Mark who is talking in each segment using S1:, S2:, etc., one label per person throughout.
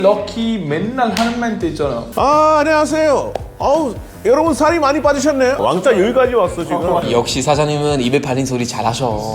S1: 럭키 맨날 하는 멘트 있잖아.
S2: 안녕하세요. 여러분 살이 많이 빠지셨네요. 왕자 여기까지 왔어 지금.
S3: 역시 사장님은 입에 발린 소리 잘하셔.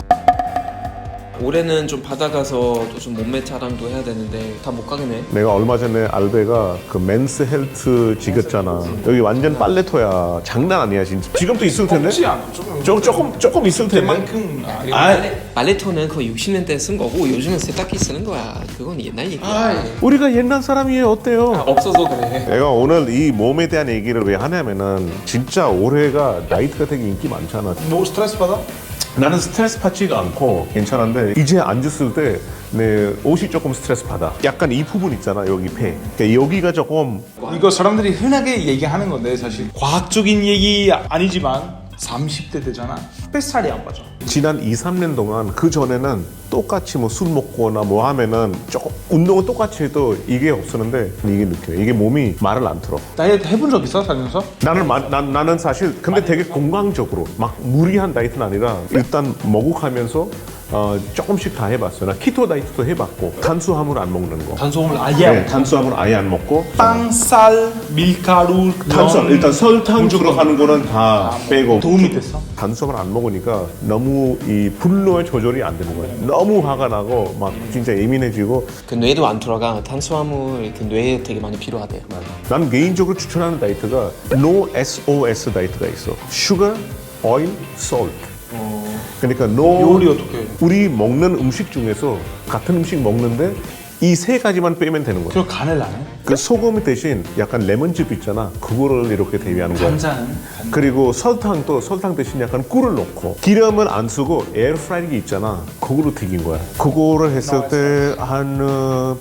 S3: 올해는 좀 받아가서 또 좀 몸매 자랑도 해야 되는데 다 못 가겠네.
S2: 내가 얼마 전에 알베가 그 맨스 헬트 지겼잖아. 여기 완전 빨래토야. 장난 아니야 진짜. 지금도 있을 텐데.
S1: 없지 않아.
S2: 조금 있을 텐데.
S1: 그만큼.
S3: 말레토는 거의 60년대에 쓴 거고 요즘은 세탁기 쓰는 거야. 그건 옛날 얘기야.
S2: 우리가 옛날 사람이에요. 어때요?
S3: 없어서 그래.
S2: 내가 오늘 이 몸에 대한 얘기를 왜 하냐면은 진짜 올해가 나이트가 되게 인기 많잖아.
S1: 뭐 스트레스 받아?
S2: 나는 스트레스 받지가 않고 괜찮은데 이제 앉았을 때 내 옷이 조금 스트레스 받아. 약간 이 부분 있잖아 여기 배. 그러니까 여기가 조금
S1: 이거 사람들이 흔하게 얘기하는 건데 사실 과학적인 얘기 아니지만 30대 되잖아. 뱃살이 안 빠져.
S2: 지난 2, 3년 동안 그 전에는 똑같이 뭐 술 먹거나 뭐 하면은 조금 운동은 똑같이 해도 이게 없었는데 이게 느껴요. 이게 몸이 말을 안 들어.
S1: 다이어트 해본 적 있어 살면서?
S2: 나는 사실 근데 되게 건강적으로 막 무리한 다이어트는 아니라 일단 먹고가면서 조금씩 다 해봤어요. 나 키토 다이어트도 해봤고 탄수화물 안 먹는 거.
S1: 탄수화물 아예 안 먹어.
S2: 탄수화물 아예 안 먹고
S1: 빵, 쌀, 밀가루,
S2: 탄수화물 일단 설탕 들어가는 거는 다 빼고
S1: 도움이 됐어?
S2: 탄수화물 안 먹으니까 너무 이 분노의 조절이 안 되는 거예요. 너무 화가 나고 막 진짜 예민해지고.
S3: 그 뇌도 안 돌아가. 탄수화물 그 뇌에 되게 많이 필요하대요.
S2: 난 개인적으로 추천하는 다이어트가 No SOS 다이어트가 있어. Sugar, Oil, Salt. 그러니까 no
S1: 요리 어떻게 해?
S2: 우리 먹는 음식 중에서 같은 음식 먹는데 이 세 가지만 빼면 되는 거야.
S1: 그럼 간을 안 해?
S2: 그 소금 대신 약간 레몬즙 있잖아. 그거를 이렇게 대비하는 거야.
S1: 간장은?
S2: 그리고 설탕 대신 약간 꿀을 넣고 기름은 안 쓰고 에어프라이기 있잖아. 그거로 튀긴 거야. 그거를 했을 때 한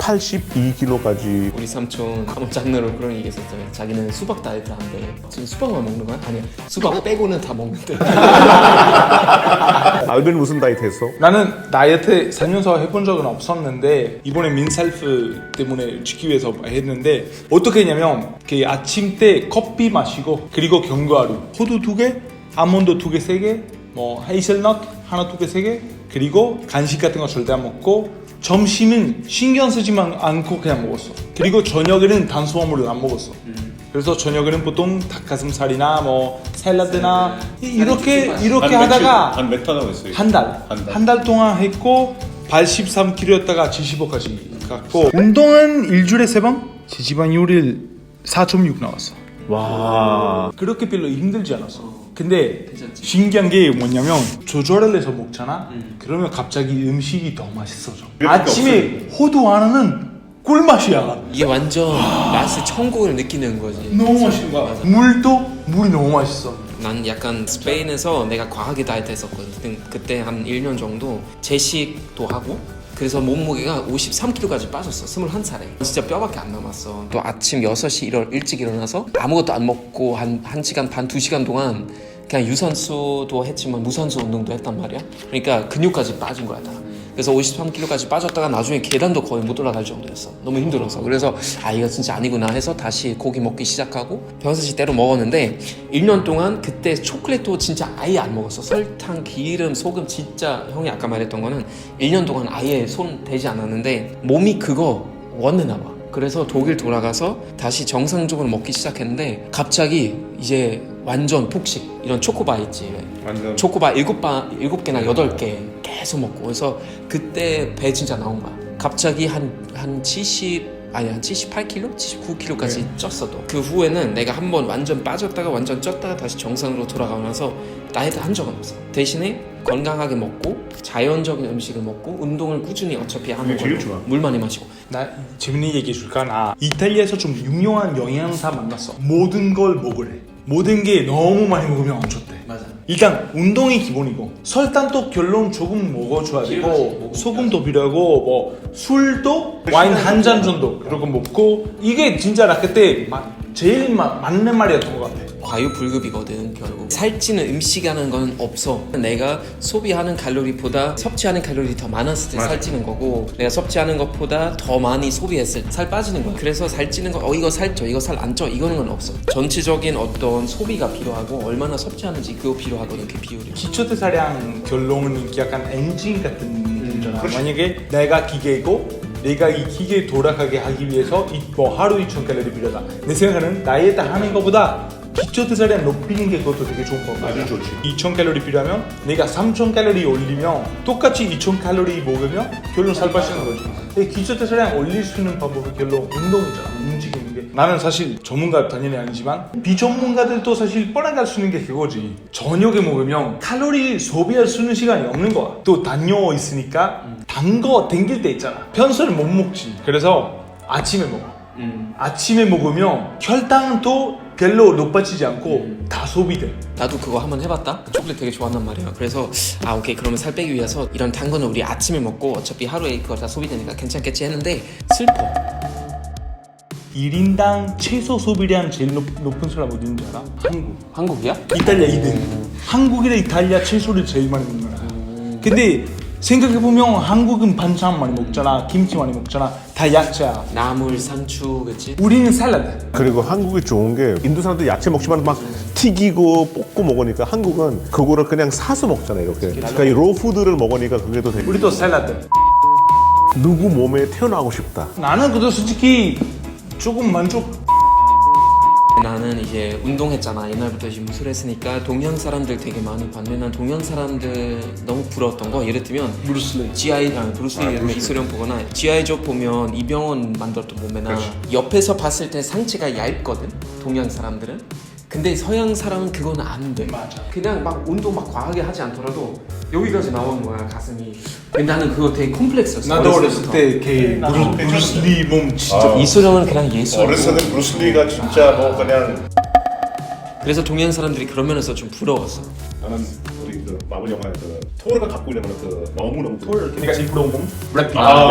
S2: 82kg까지.
S3: 우리 삼촌 아무 장르로 그런 얘기 했었잖아요. 자기는 수박 다이어트 한대. 지금 수박만 먹는 거야? 아니야. 수박 빼고는 다 먹는데.
S2: 알벤 무슨 다이어트 했어?
S1: 나는 다이어트 살면서 해본 적은 없었는데 이번에 민셀프 때문에 지키기 위해서 했는데 어떻게 했냐면 그 아침 때 커피 마시고 그리고 견과류 호두 2개, 아몬드 2개, 3개 뭐 헤이즐넛 하나 2개, 3개 그리고 간식 같은 거 절대 안 먹고 점심은 신경 쓰지만 않고 그냥 먹었어. 그리고 저녁에는 탄수화물을 안 먹었어. 그래서 저녁에는 보통 닭가슴살이나 뭐 샐러드나 이렇게 하다가
S2: 한 몇 달 하고 있어요?
S1: 한 달 동안 했고 83kg였다가 75까지 갔고 운동은 일주일에 3번 지지방률이 4.6 나왔어.
S2: 와.
S1: 그렇게 별로 힘들지 않았어. 근데 신기한 게 뭐냐면 조절을 해서 먹잖아. 그러면 갑자기 음식이 더 맛있어져. 아침에 호두 하나는 꿀맛이야.
S3: 이게 완전 맛을 천국을 느끼는 거지.
S1: 너무 맛있는 거야. 물이 너무 맛있어.
S3: 난 약간 스페인에서 내가 과하게 다이어트 했었거든. 그때 한 1년 정도 제식도 하고 그래서 몸무게가 53kg까지 빠졌어. 21살에. 진짜 뼈밖에 안 남았어. 또 아침 6시 일찍 일어나서 아무것도 안 먹고 한 1시간 반, 2시간 동안 그냥 유산소도 했지만 무산소 운동도 했단 말이야. 그러니까 근육까지 빠진 거야 다. 그래서 53kg까지 빠졌다가 나중에 계단도 거의 못 올라갈 정도였어. 너무 힘들어서. 그래서 이거 진짜 아니구나 해서 다시 고기 먹기 시작하고 평상시대로 먹었는데 1년 동안 그때 초콜릿도 진짜 아예 안 먹었어. 설탕, 기름, 소금 진짜 형이 아까 말했던 거는 1년 동안 아예 손 대지 않았는데 몸이 그거 원해나 봐. 그래서 독일 돌아가서 다시 정상적으로 먹기 시작했는데 갑자기 이제 완전 폭식. 이런 초코바 있지.
S2: 완전.
S3: 초코바 7개나 8개 계속 먹고 그래서 그때 배 진짜 나온 거야. 갑자기 한 78kg? 79kg까지 쪘어도. 그 후에는 내가 한번 완전 빠졌다가 완전 쪘다가 다시 정상으로 돌아가면서 다이어트 한 적은 없어. 대신에 건강하게 먹고 자연적인 음식을 먹고 운동을 꾸준히 어차피 하는
S2: 제일
S3: 걸로
S2: 좋아.
S3: 물 많이 마시고.
S1: 나 재밌는 얘기 해줄까? 나 이탈리아에서 좀 유명한 영양사 만났어. 모든 걸 먹으래. 모든 게 너무 많이 먹으면 안 좋대.
S3: 맞아.
S1: 일단 운동이 기본이고 설탕도 결론 조금 먹어줘야 되고 소금도 필요하고 뭐 술도 와인 한 잔 정도 그러고 먹고 이게 진짜 나 그때 제일 맞는 말이었던 것 같아.
S3: 과유불급이거든 결국. 살찌는 음식이라는 건 없어. 내가 소비하는 칼로리보다 섭취하는 칼로리 더 많았을 때 살찌는 거고 내가 섭취하는 것보다 더 많이 소비했을 때 살 빠지는 거야. 그래서 살찌는 거 이거 살쪄 이거 살 안 쪄 이거는 건 없어. 전체적인 어떤 소비가 필요하고 얼마나 섭취하는지 그거 필요하거든. 그 비율이.
S1: 기초대사량 결론은 약간 엔진 같은 느낌이잖아. 만약에 내가 기계고 내가 이 기계 돌아가게 하기 위해서 뭐 하루 2,000칼로리 필요하다. 내 생각에는 다이어트 하는 것보다 기초 대사량 높이는 게 그것도 되게 좋은 방법이야.
S2: 아주 좋지.
S1: 2,000칼로리 필요하면 내가 3,000칼로리 올리면 똑같이 2,000칼로리 먹으면 결론 살 빠지는 거지. 근데 기초 대사량 올릴 수 있는 방법은 결론 운동이잖아. 움직이는 게. 나는 사실 전문가 당연히 아니지만 비전문가들도 사실 뻔하게 할 수 있는 게 그거지. 저녁에 먹으면 칼로리 소비할 수 있는 시간이 없는 거야. 또 당뇨 있으니까 단 거 땡길 때 있잖아. 평소에는 못 먹지. 그래서 아침에 먹어. 아침에 먹으면 혈당은 또 별로 높아지지 않고 다 소비돼.
S3: 나도 그거 한번 해봤다. 초콜릿 되게 좋아한단 말이야. 그래서 오케이 그러면 살 빼기 위해서 이런 단 거는 우리 아침에 먹고 어차피 하루에 그거 다 소비되니까 괜찮겠지 했는데 슬퍼.
S1: 1인당 최소 소비량 제일 높은 사람 어딘지 알아? 한국.
S3: 한국이야?
S1: 이탈리아 2등. 한국이랑 이탈리아 채소를 제일 많이 먹는 나라. 근데 생각해보면 한국은 반찬 많이 먹잖아. 김치 많이 먹잖아. 다 야채야.
S3: 나물, 상추, 그치?
S1: 우리는 샐러드.
S2: 그리고 한국이 좋은 게 인도 사람들 야채 먹지만 막 튀기고 볶고 먹으니까 한국은 그거를 그냥 사서 먹잖아요 이렇게. 그러니까 이 로푸드를 먹으니까 그게 더 되게
S1: 우리도 샐러드.
S2: 누구 몸에 태어나고 싶다.
S1: 나는 그래도 솔직히 조금 만족.
S3: 나는 이제 운동했잖아. 옛날부터 이제 무술 했으니까 동양 사람들 되게 많이 봤는데 난 동양 사람들 너무 부러웠던 거 예를 들면
S1: 브루슬리.
S3: 브루스리 예를 들면 이소룡 보거나 GI조 보면 이병헌 만들었던 몸매나 옆에서 봤을 때 상체가 얇거든 동양 사람들은. 근데 서양 사람은 그건 안 돼.
S1: 맞아.
S3: 그냥 막 운동 막 과하게 하지 않더라도 여기까지 나오는 거야 가슴이. 근데 나는 그거 되게 콤플렉스였어.
S1: 나도 어렸을 때 걔 브루슬리 몸 진짜
S3: 이소룡은 그냥 예술.
S2: 어렸을 때 브루슬리가 진짜 뭐 그냥.
S3: 그래서 동양 사람들이 그런 면에서 좀 부러웠어.
S2: 나는 우리 그 마블 영화에 그 토르가 갖고 있는 그 너무너무
S1: 그러니까 제일 부러운 몸? 브래핏.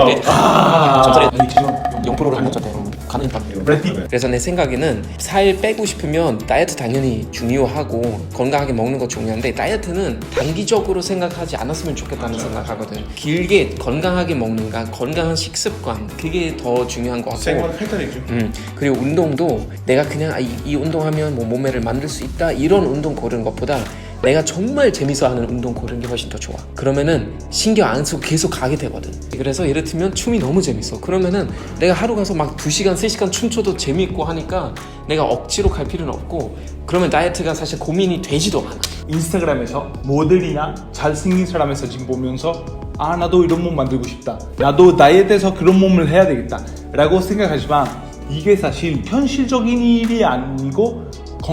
S3: 전설에
S1: 아니 지금
S3: 0%를 한 거잖아. 가는 밥.
S1: 브래핏.
S3: 그래서 내 생각에는 살 빼고 싶으면 다이어트 당연히 중요하고 건강하게 먹는 거 중요한데 다이어트는 단기적으로 생각하지 않았으면 좋겠다는 생각하거든. 길게 건강하게 먹는가, 건강한 식습관 그게 더 중요한 것 같고.
S2: 생활 패턴이죠.
S3: 그리고 운동도 내가 그냥 이 운동하면 뭐 몸매를 만들 수 있다 이런 운동 고르는 것보다 내가 정말 재밌어하는 운동 고르는 게 훨씬 더 좋아. 그러면은 신경 안 쓰고 계속 가게 되거든. 그래서 예를 들면 춤이 너무 재밌어. 그러면은 내가 하루 가서 막 2시간, 3시간 춤춰도 재밌고 하니까 내가 억지로 갈 필요는 없고 그러면 다이어트가 사실 고민이 되지도 않아.
S1: 인스타그램에서 모델이나 잘생긴 사람의 사진 보면서 나도 이런 몸 만들고 싶다. 나도 다이어트해서 그런 몸을 해야 되겠다 라고 생각하지만 이게 사실 현실적인 일이 아니고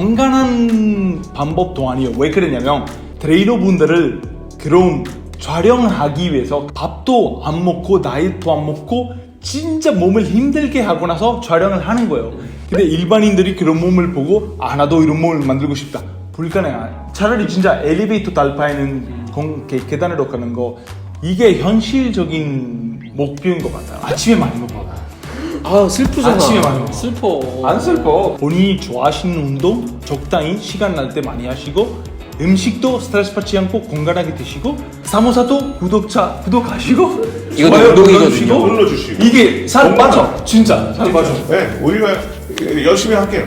S1: 건강한 방법도 아니에요. 왜 그러냐면 트레이너 분들을 그런 촬영하기 위해서 밥도 안 먹고 다이어트도 안 먹고 진짜 몸을 힘들게 하고 나서 촬영을 하는 거예요. 근데 일반인들이 그런 몸을 보고 나도 이런 몸을 만들고 싶다. 불가능해. 차라리 진짜 엘리베이터 달파에는 계단으로 가는 거 이게 현실적인 목표인 것 같아요. 아침에 많이 먹어.
S3: 슬프잖아.
S1: 아침에 많이 먹어.
S3: 슬퍼.
S1: 안 슬퍼. 본인이 좋아하시는 운동 적당히 시간 날 때 많이 하시고 음식도 스트레스 받지 않고 건강하게 드시고 사모사도 구독하시고
S3: 이거
S1: 좋아요
S3: 운동이거든요.
S2: 눌러주시고.
S1: 이게 살 빠져. 진짜 살 빠져.
S2: 네, 우리가 열심히 할게요.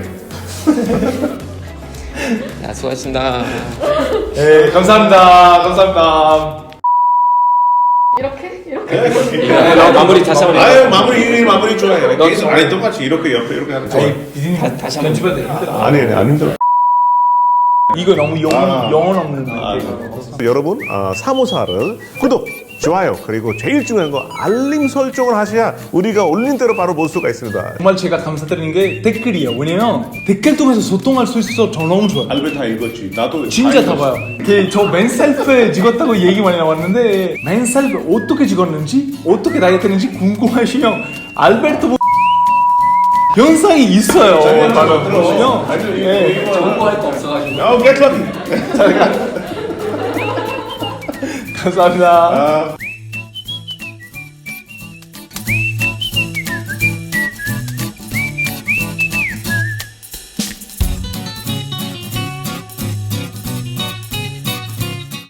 S3: 야, 수고하셨습니다.
S1: 네, 감사합니다.
S4: 이렇게?
S3: 마무리 다시 한번 해봐.
S2: 아유 마무리 좋아해요. 계속 아니 똑같이 이렇게 옆에 이렇게 하는 거.
S3: 다시 한번
S1: 편집해야 돼. 힘들어.
S2: 아니 안 힘들어.
S1: 이거 너무 영혼 없는 거.
S2: 여러분 사모사를 구독, 좋아요 그리고 제일 중요한 거 알림 설정을 하셔야 우리가 올린 대로 바로 볼 수가 있습니다.
S1: 정말 제가 감사드리는 게 댓글이에요. 왜냐면 댓글 통해서 소통할 수 있어서 저 너무 좋아요.
S2: 알베 다 읽었지. 나도
S1: 진짜 다 봐요. 저 맨셀프에 찍었다고 얘기 많이 나왔는데 맨셀프 어떻게 찍었는지 어떻게 다이어트했는지 궁금하시면 알베르토 영상이 있어요. 보시면 예.
S3: 정보할 거 없어가지고.
S2: get lucky.
S1: 감사합니다.